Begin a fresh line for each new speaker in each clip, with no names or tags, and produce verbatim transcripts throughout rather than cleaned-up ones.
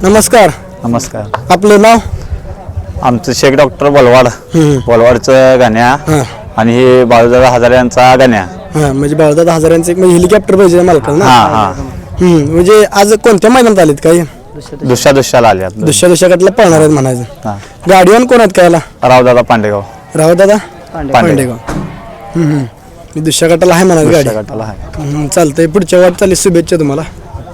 नमस्कार.
नमस्कार.
आपलं नाव?
आमचं शेख डॉक्टर बोलवाड. बोलवाडचं गाण्या आणि हे बाळूदादा हजारे यांचा गाण्या.
हां म्हणजे बाळूदादा हजारांचं एक म्हणजे हेलिकॉप्टर पाहिजे मालकाला ना.
हां हां
हम्म म्हणजे आज कोणत्या मैदानात आलेत काय?
दुसऱ्या दुसऱ्याला आले आपलं.
दुसऱ्या दुसऱ्याकडला पळणार आहेत म्हणायचं.
हां
गाडीवान कोण आहेत कायला?
रावदादा पांडेगाव.
रावदादा
पांडेगाव.
पांडेगाव. हम्म हम्म मी दुसऱ्या गटाला आहे म्हणायचं गाडी.
दुसऱ्या गटाला आहे.
हम्म, चालतंय. पुढच्या वाटचाली शुभेच्छा तुम्हाला.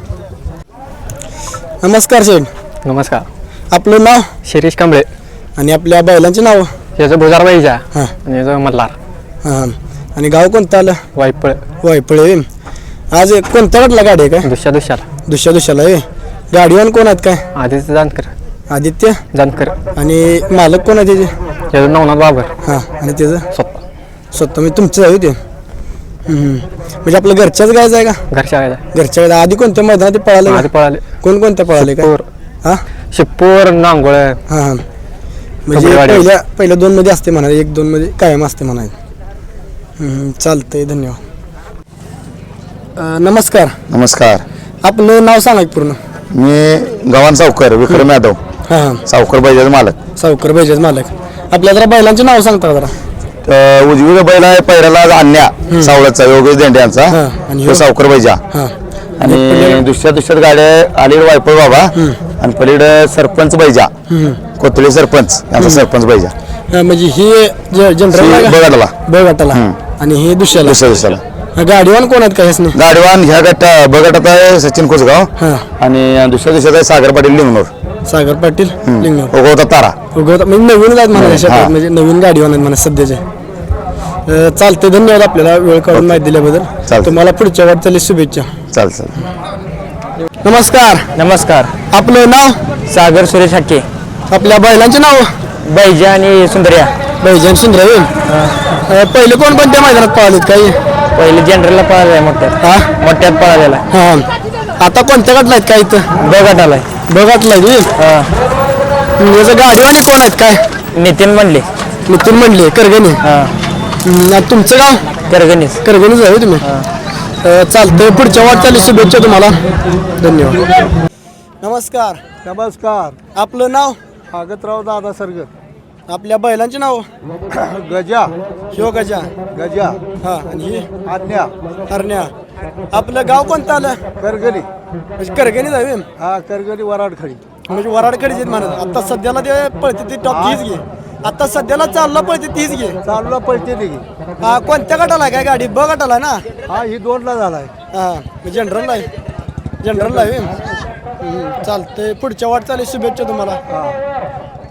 नमस्कार साहेब.
नमस्कार.
आपलं नाव?
शिरीष कांबळे.
आणि आपल्या बैलांची नाव?
याचं भुजार बाईजा
हां
आणि याचं मल्हार.
हां आणि गाव कोणतं आलं?
वायपळ.
वायपळे. आज कोणत्या गटला गाडी आहे काय?
दुसऱ्या दुसऱ्याला.
दुसऱ्या दुसऱ्याला आहे. गाडीवान कोण आहेत काय?
आदित्य जानकर.
आदित्य.
जानकर.
आणि मालक कोण आहे त्याचे?
याचं नवनाथ बाबर.
हां आणि त्याचं
स्वतः.
स्वतः मी तुमचं आहे ते. म्हणजे आपलं घरच्याच गायचं आहे का?
घरच्या गायला.
घरच्या गायला. आधी कोणत्या मैदानात ते पळाले?
आधी पळाले.
कोणकोणत्या पळाले काय?
शिपूर.
हां
शिपूर नांगोळ.
हां हां म्हणजे
कबड्डी.
पहिल्या पहिल्या दोन मध्ये असते म्हणाले, एक दोन मध्ये कायम असते म्हणाले. चालतंय. धन्यवाद. अं, नमस्कार.
नमस्कार.
आपलं नाव सांगा की पूर्ण.
मी गव्हाण सावकर विक्रम यादव.
हां हां
सावकर बैजाचा मालक.
सावकर बैजाच मालक. आपल्या जरा बैलांचे नाव सांगता का जरा?
तर उजवीला बैल आहे पहिल्याला आणण्या सावळचा योगेश देंडे यांचा.
हां आणि
तो सावकर बैजा.
हां
आणि दुसऱ्या दुसऱ्यात गाड्या अलीकडे वायपळ बाबा आणि पलीकडे सरपंच बैजा कोथळी सरपंच यांचा सरपंच बैजा.
हां, म्हणजे ही जनरल
बघायला
ब गटाला आणि हे दुसऱ्याला.
दुसऱ्या दुसऱ्याला
गाडीवान कोण आहेत काय ह्यासनी?
गाडवान ह्या गटा ब गटात आहे सचिन कुसगाव
हां
आणि दुसऱ्या दिवसात आहे सागर पाटील लिंगनूर.
सागर पाटील लिंगनूर.
उगवता तारा.
उगवता म्हणजे नवीन आहेत म्हणा शेतात,
हां.
म्हणजे नवीन गाडीवान आहेत म्हणा सध्याचे. अं, चालते. धन्यवाद आपल्याला वेळ काढून माहिती दिल्याबद्दल.
चालतंय.
तुम्हाला पुढच्या वाटचाली शुभेच्छा.
चाल चाल.
नमस्कार.
नमस्कार.
आपलं नाव?
सागर सुरेश हक्के.
आपल्या बैलांचे नाव?
बैजा आणि सुंदर्या.
बैजन सुंदर. पहिले कोण कोणत्या मैदानात पळालेत काही?
पहिले जनरलला पळाला मोठ्यात.
हा
मोठ्यात पळालेला.
हां आता कोणत्या गटला आहेत काय इथं?
ब गटाला.
बघाटला
हां.
याचं गाडीवानी कोण आहेत काय?
नितीन म्हणले.
नितीन म्हणले करगणी.
हां.
हम्म, तुमचं गाव?
करगणीस.
करगणीच आहे तुम्ही? अं, चालतंय. पुढच्या वाटचाली शुभेच्छा तुम्हाला. धन्यवाद. नमस्कार.
नमस्कार.
आपलं नाव?
भागतराव दादा सरगर.
आपल्या बैलांचे नाव?
गजा.
शिव गजा.
गजा.
हा आणि ही
आज्ञा.
हरण्या. आपलं गाव कोणतं आलं?
करगणी.
म्हणजे करगणीच आहे व्हय?
हा करगणी वराडखडी.
म्हणजे वराडकडे म्हणत आता सध्याला ते पळते ती टॉप तीच घे. आता सध्याला चालला पळते तीच घे.
चालूला पळते निघी.
हा कोणत्या गटाला आहे काय गाडी? ब गटाला आहे ना?
हा ही दोनला झालाय.
हा जनरल आहे. जनरल आहे. हम्म, चालतंय. पुढच्या वाटचाली शुभेच्छा तुम्हाला.
हा